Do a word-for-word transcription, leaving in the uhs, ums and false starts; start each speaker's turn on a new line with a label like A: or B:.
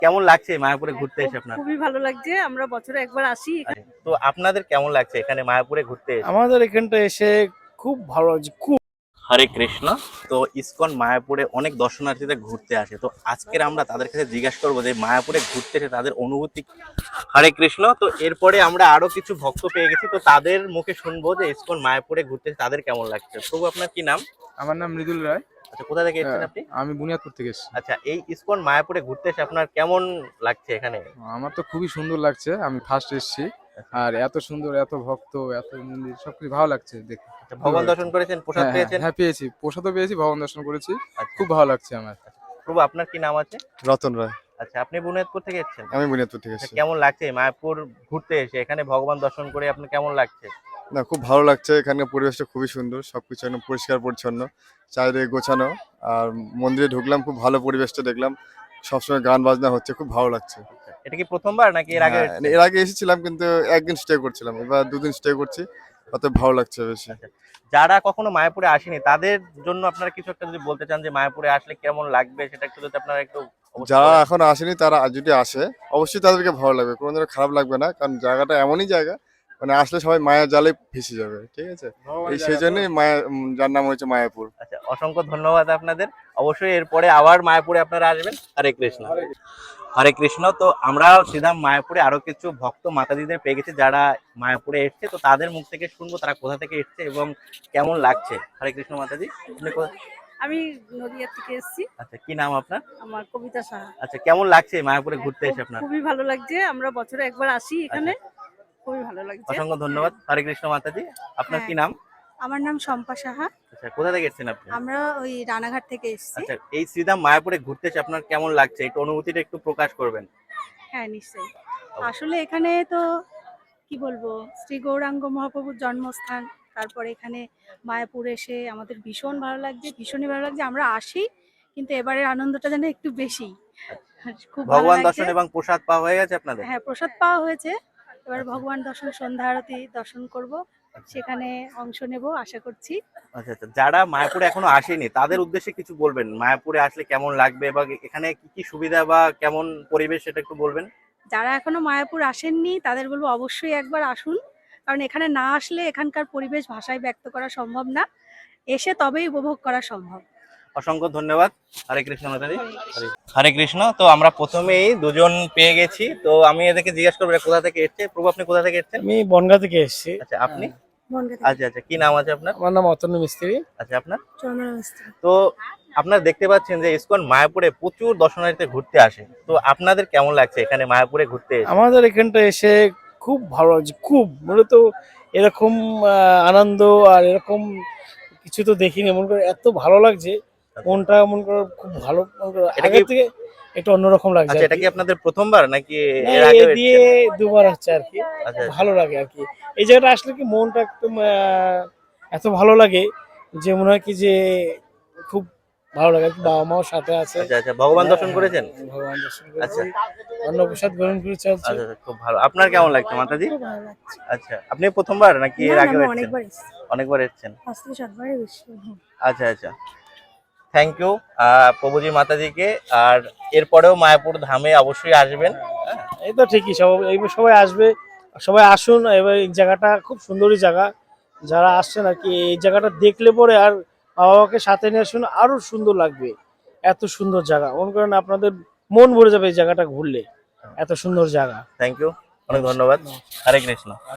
A: কেমন লাগছে মায়াপুরে ঘুরতে এসে আপনার?
B: খুবই ভালো লাগছে, আমরা বছরে একবার আসি।
A: তো আপনাদের কেমন লাগছে এখানে মায়াপুরে ঘুরতে এসে?
C: আমাদের এখানটা এসে খুব ভালো লাগছে, খুব।
A: হরে কৃষ্ণ। তো ইসকন মায়াপুরে অনেক দর্শনার্থীদের ঘুরতে আসে, তো আজকের আমরা তাদের কাছে জিজ্ঞাসা করবো যে মায়াপুরে ঘুরতে এসে তাদের অনুভূতি। হরে কৃষ্ণ। তো এরপরে আমরা আরো কিছু ভক্ত পেয়ে গেছি, তো তাদের মুখে শুনবো যে ইসকন মায়াপুরে ঘুরতে এসে তাদের কেমন লাগছে। প্রভু আপনার কি নাম?
D: আমার নাম মৃদুল রায়।
A: আচ্ছা, কোথা থেকে এসেছেন আপনি?
D: আমি বুনিয়াদপুর থেকে এসেছি।
A: আচ্ছা, এই ইসকন মায়াপুরে ঘুরতে এসে আপনার কেমন লাগছে এখানে?
D: আমার তো খুবই সুন্দর লাগছে, আমি ফার্স্ট এসেছি। আর এত সুন্দর, এত ভক্ত, এত মন্দির, সবকিছু ভালো লাগছে দেখে।
A: আচ্ছা, ভগবান দর্শন করেছেন, প্রসাদ
D: হ্যাঁ,
A: পেয়েছেন?
D: হ্যাঁ পেয়েছি, প্রসাদও পেয়েছি, ভগবান দর্শন করেছি,
A: আচ্ছা,
D: খুব ভালো লাগছে আমার।
A: প্রভু আপনার কি নাম আছে?
E: রতন রায়।
A: আচ্ছা, আপনি বুনিয়াদপুর থেকে এসেছেন?
E: আমি বুনিয়াদপুর থেকে
A: আচ্ছা,
E: এসেছি।
A: কেমন লাগছে মায়াপুর ঘুরতে এসে এখানে ভগবান দর্শন করে আপনার কেমন লাগছে?
E: না, খুব ভালো লাগছে, এখানকার পরিবেশটা খুবই সুন্দর, সবকিছু একদম পরিষ্কার পরিচ্ছন্ন, চারিদিকে গোছানো। আর মন্দিরে ঢুকলাম, খুব ভালো পরিবেশটা দেখলাম, সবসময় গান বাজনা হচ্ছে, খুব ভালো লাগছে।
A: আচ্ছা, এটা কি প্রথমবার নাকি এর আগে
E: হ্যাঁ,
A: এসেছেন?
E: এর আগে এসেছিলাম কিন্তু একদিন স্টে করছিলাম, এবার দুদিন স্টে করছি, অত ভালো লাগছে বেশি।
A: আচ্ছা, যারা কখনো মায়াপুরে আসেনি তাদের জন্য আপনারা কিছু একটা যদি বলতে চান যে মায়াপুরে আসলে কেমন লাগবে, সেটা একটু যদি আপনারা একটু অবশ্যই
E: যারা
A: বলেন।
E: এখন আসেনি তারা যদি আসে অবশ্যই তাদেরকে ভালো লাগবে, কোনোদিনও খারাপ লাগবে না, কারণ জায়গাটা এমনই জায়গা, মানে আসলে সবাই মায়ার জালে ভেসে যাবে, ঠিক আছে? এই সেই জন্যই মায়া, উম, যার নাম হয়েছে মায়াপুর।
A: আচ্ছা, অসংখ্য ধন্যবাদ আপনাদের। অবশ্যই এরপরে আবার মায়াপুরে আপনারা আসবেন। হরে কৃষ্ণ। হরে কৃষ্ণ। তো আমরা সিধা মায়াপুরে আরো কিছু ভক্ত মাতাজিদের পেয়ে গেছি যারা মায়াপুরে এসছে, তো তাদের মুখ থেকে শুনবো তারা কোথা থেকে এসছে এবং কেমন লাগছে। হরে কৃষ্ণ মাতাজি, আপনি কোথা-
B: আমি নদিয়া থেকে এসেছি।
A: আচ্ছা, কি নাম আপনার?
B: আমার কবিতা সাহা।
A: আচ্ছা, কেমন লাগছে মায়াপুরে ঘুরতে এসে আপনার?
B: খুবই ভালো লাগছে, আমরা বছরে একবার আসি এখানে, খুবই ভালো লাগছে।
A: অসংখ্য ধন্যবাদ। হরে কৃষ্ণ মাতাজি, আপনার কি নাম?
F: আমার নাম শম্পা সাহা।
A: আচ্ছা, কোথা থেকে এসেছেন আপনি?
F: আমরা ওই রানাঘাট থেকে এসেছি।
A: আচ্ছা, এই শ্রীধাম মায়াপুরে ঘুরতে এসে আপনার কেমন লাগছে, একটু অনুভূতিটা একটু প্রকাশ করবেন।
F: হ্যাঁ নিশ্চয়ই। আসলে এখানে তো কি বলবো, শ্রী গৌরাঙ্গ মহাপ্রভুর জন্মস্থান, তারপরে এখানে মায়াপুর এসে আমাদের ভীষণ ভালো লাগছে, ভীষণই ভালো লাগছে। আমরা আসি, কিন্তু এবারের আনন্দটা যেন একটু বেশি, খুব ভালো
A: ভগবান
F: লাগছে।
A: দর্শন এবং প্রসাদ পাওয়া হয়ে গেছে আপনাদের?
F: হ্যাঁ, প্রসাদ পাওয়া হয়েছে, এবার ভগবান দর্শন, সন্ধ্যা আরতি দর্শন করব, সেখানে অংশ নেব আশা করছি।
A: আচ্ছা আচ্ছা, যারা মায়াপুরে এখনো আসেনি তাদের উদ্দেশ্যে কিছু বলবেন, মায়াপুরে আসলে কেমন লাগবে বা এখানে কি কি সুবিধা বা কেমন পরিবেশ সেটা একটু বলবেন।
F: যারা এখনো মায়াপুর আসেননি তাদের বলবো অবশ্যই একবার আসুন, কারণ এখানে না আসলে এখানকার পরিবেশ ভাষায় ব্যক্ত করা সম্ভব না, এসে তবেই উপভোগ করা সম্ভব।
A: অসংখ্য ধন্যবাদ। হরে কৃষ্ণ মাতাজি। হরে- হরে কৃষ্ণ। তো আমরা প্রথমেই দুজন পেয়ে গেছি, তো আমি এদেরকে জিজ্ঞাসা করবো এরা কোথা থেকে এসছে। প্রভু আপনি কোথা থেকে এসেছেন?
C: আমি বনগাঁ থেকে এসেছি।
A: আচ্ছা, আপনি?
F: বনগাঁ থেকে।
A: আচ্ছা আচ্ছা, কি নাম আছে আপনার?
C: আমার নাম অতনু মিস্ত্রি।
A: আচ্ছা, আপনার?
F: চন্দনা মিস্ত্রি।
A: তো আপনারা দেখতে পাচ্ছেন যে ইসকন মায়াপুরে প্রচুর দর্শনার্থী ঘুরতে আসে, তো আপনাদের কেমন লাগছে এখানে মায়াপুরে ঘুরতে এসে?
C: আমাদের এখানটা এসে খুব ভালো লাগছে, খুব। মূলত এরকম আহ, আনন্দ আর এরকম কিছু তো দেখিনি, মনে করে এত ভালো লাগছে, মনটা মনে করো খুব ভালো, মনে করো
A: এটা কি-
C: আগের থেকে একটু অন্যরকম লাগছে।
A: আচ্ছা,
C: আর
A: এটা
C: কি।
A: কি আপনাদের প্রথমবার নাকি
C: না,
A: এর
C: এ
A: আগে
C: দিয়ে দুবার হচ্ছে আর কি,
A: আচ্ছা
C: ভালো লাগে আর কি। এই জায়গাটা আসলে কি মনটা একদম আহ, এত ভালো লাগে যে মনে হয় কি যে খুব ভালো লাগে আর কি। বাবা মাও সাথে আছে।
A: আচ্ছা আচ্ছা, ভগবান দর্শন করেছেন?
C: হ্যাঁ, ভগবান দর্শন
A: আচ্ছা
C: করেছি, অন্নপ্রসাদ গ্রহণ করে চলছে।
A: আচ্ছা আচ্ছা, খুব ভালো। আপনার কেমন লাগছে মাতাজি?
F: খুব ভালো লাগছে।
A: আচ্ছা, আপনি প্রথমবার নাকি এর
F: না,
A: আগে
F: আমি
A: এসেছেন?
F: অনেকবার এসেছি,
A: অনেকবার এসেছেন।
F: পাঁচ থেকে সাতবারই বেশি।
A: আচ্ছা আচ্ছা, থ্যাংক ইউ প্রভুজি মাতাজিকে। আর এরপরেও মায়াপুর ধামে অবশ্যই আসবেন।
C: এই তো ঠিকই, সব এইবার সবাই আসবে, সবাই আসুন। এবার এই জায়গাটা খুব সুন্দরই জায়গা, যারা আসছেন আর কি এই জায়গাটা দেখলে পরে আর বাবা মাকে সাথে নিয়ে আসুন, আরো সুন্দর লাগবে। এত সুন্দর জায়গা, মনে করেন আপনাদের মন ভরে যাবে এই জায়গাটা ঘুরলে, এত সুন্দর জায়গা।
A: থ্যাংক ইউ, অনেক ধন্যবাদ। হরে কৃষ্ণ।